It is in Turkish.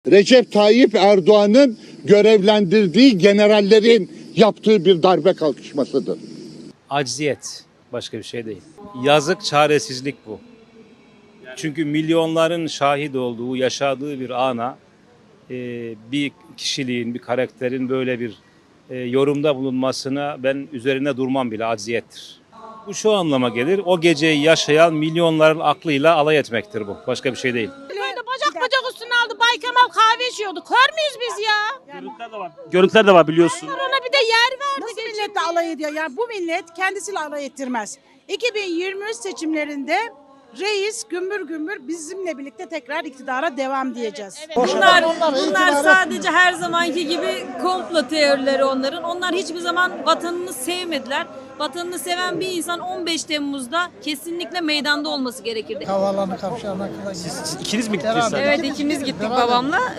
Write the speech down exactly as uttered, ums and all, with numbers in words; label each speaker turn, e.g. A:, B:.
A: Recep Tayyip Erdoğan'ın görevlendirdiği generallerin yaptığı bir darbe kalkışmasıdır.
B: Acziyet, başka bir şey değil. Yazık, çaresizlik bu. Çünkü milyonların şahit olduğu, yaşadığı bir ana e, bir kişiliğin, bir karakterin böyle bir e, yorumda bulunmasına ben üzerine durmam bile, acziyettir. Bu şu anlama gelir, o geceyi yaşayan milyonların aklıyla alay etmektir bu. Başka bir şey değil.
C: Böyle bacak bacak üstüne aldı. Bay Kemal kahve içiyordu. Kör müyüz biz ya?
D: Görüntüler de var. Görüntüler de var biliyorsun.
C: Ona bir de yer verdi.
E: Nasıl milletle alay ediyor? Yani bu millet kendisiyle alay ettirmez. iki bin yirmi üç seçimlerinde reis gümbür gümbür bizimle birlikte tekrar iktidara devam diyeceğiz.
F: Bunlar, bunlar sadece her zamanki gibi komplo teorileri onların. Onlar hiçbir zaman vatanını sevmediler. Vatanını seven bir insan on beş Temmuz'da kesinlikle meydanda olması gerekirdi.
G: Havaalanı kavşağına kadar.
D: Siz ikiniz mi gittiniz?
F: Evet, ikimiz gittik babamla.